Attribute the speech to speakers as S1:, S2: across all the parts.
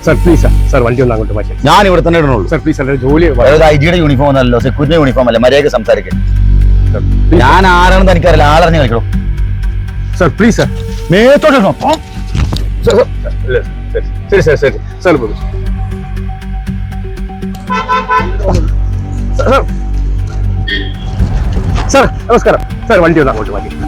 S1: Sir please sir sir വണ്ടി ഒന്ന് അങ്ങോട്ട് മാറ്റി.
S2: ഞാൻ ഇവിടെ തന്നെ ഇടണുള്ളൂ
S1: സർ പ്ലീസ് സർ ജോലി
S2: ഐജിയുടെ യൂണിഫോം ഒന്നല്ലോ, സെക്യൂരിറ്റി യൂണിഫോം അല്ല, മര്യാദക്ക് സംസാരിക്കും. ഞാൻ ആരാണെന്ന് എനിക്കറിയില്ല, ആളറിഞ്ഞ് കളിക്കണോ.
S1: സർ പ്ലീസ് സർ
S2: മേത്തോട്ടോ.
S1: ശരി സർ ശരി സർ സർ നമസ്കാരം സർ വണ്ടി ഒന്ന് അങ്ങോട്ട് മാറ്റി.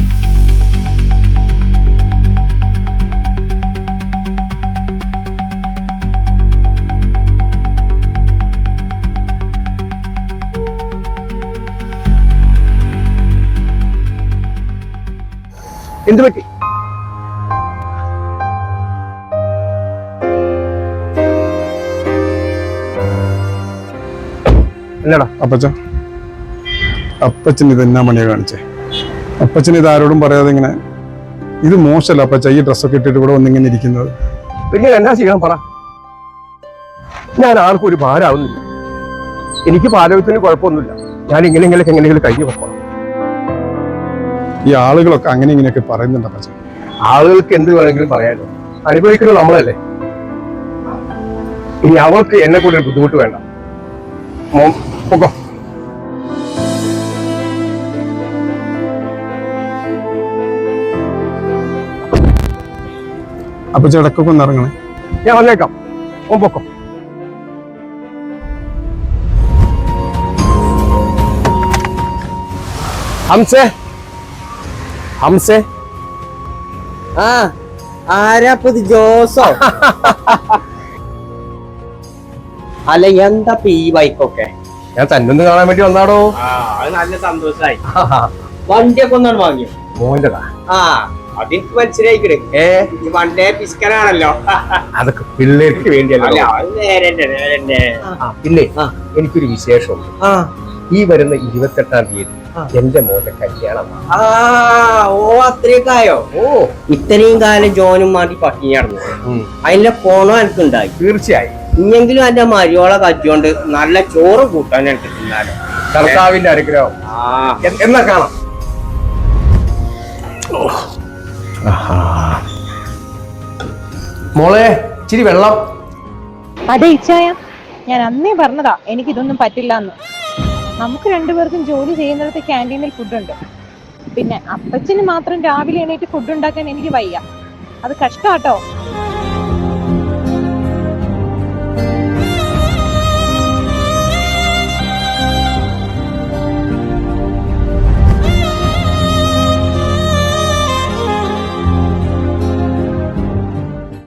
S1: എന്ത് പറ്റി? എന്നടാ
S3: അപ്പച്ചൻ ഇത് എന്നാ മണിയാ കാണിച്ചേ? അപ്പച്ചൻ ഇത് ആരോടും പറയാതെ ഇങ്ങനെ, ഇത് മോശമല്ല അപ്പച്ച ഈ ഡ്രസ്സൊക്കെ ഇട്ടിട്ട് ഇവിടെ വന്നിങ്ങനെ ഇരിക്കുന്നത്.
S1: പിന്നെ എന്നാ ചെയ്യണം പറ. ഞാൻ ആർക്കും ഒരു ഭാരമാവുന്നില്ല, എനിക്ക് ആരോഗ്യത്തിന് കുഴപ്പമൊന്നുമില്ല. ഞാൻ എങ്ങനെയെങ്കിലും കഴിഞ്ഞു പോകണം.
S3: ഈ ആളുകളൊക്കെ അങ്ങനെ ഇങ്ങനെയൊക്കെ പറയുന്നുണ്ട് അപ്പച്ച.
S1: ആളുകൾക്ക് എന്ത് വേണമെങ്കിലും പറയാനോ, അനുഭവിക്കുന്നത് നമ്മളല്ലേ. ഇനി അവൾക്ക് എന്നെ കൂടെ ഒരു ബുദ്ധിമുട്ട് വേണ്ട. പൊക്കോ.
S3: അപ്പച്ച ഇടക്കൊക്കെ ഒന്ന് ഇറങ്ങണേ.
S1: ഞാൻ വന്നേക്കാം. പൊക്കോ. ഹംസേ ഹംസേ.
S4: ആ ആരാപ്പത്? ജോസോ? അല്ല എന്താ ഈ ബൈക്കൊക്കെ?
S1: ഞാൻ തന്നൊന്ന് കാണാൻ വേണ്ടി വന്നാടോ.
S4: അത് നല്ല സന്തോഷായി. വണ്ടിയൊക്കെ ഒന്നാണ് വാങ്ങിയോ?
S1: മോൻ്റെതാ.
S4: ആ അതെനിക്ക് മനസ്സിലായിക്കിട്. ഈ വണ്ടേ പിസ്കനാണല്ലോ.
S1: അതൊക്കെ പിള്ളേർക്ക് വേണ്ടിയല്ലോ. പിന്നെ എനിക്കൊരു വിശേഷമുണ്ട്. ഈ വരുന്ന 28-ാം തീയതി എന്റെ മോന്റെ കല്യാണമാണ്.
S4: ഓ അത്രയൊക്കെയോ? ഓ ഇത്രയും കാലം ജോനും മാറ്റി പട്ടിണി നടന്നു. അതിന്റെ ഫോണോ എനിക്കുണ്ടായി.
S1: തീർച്ചയായും.
S4: ഇനിയെങ്കിലും എന്റെ മരിയോളെ കച്ചുകൊണ്ട് നല്ല ചോറ് കൂട്ടാൻ എനിക്ക് തിന്നാലോ.
S1: കർത്താവിന്റെ അനുഗ്രഹം. എന്നാ കാണാം. മോളെ ഇച്ചിരി വെള്ളം.
S5: അതെ ഇച്ചായ, ഞാൻ അന്നേ പറഞ്ഞതാ എനിക്കിതൊന്നും പറ്റില്ല എന്ന്. നമുക്ക് രണ്ടുപേർക്കും ജോലി ചെയ്യുന്നിടത്ത് ക്യാൻറ്റീനിൽ ഫുഡുണ്ട്. പിന്നെ അപ്പച്ചന് മാത്രം രാവിലെ എണീറ്റ് ഫുഡ് ഉണ്ടാക്കാൻ എനിക്ക് വയ്യ. അത് കഷ്ടാട്ടോ.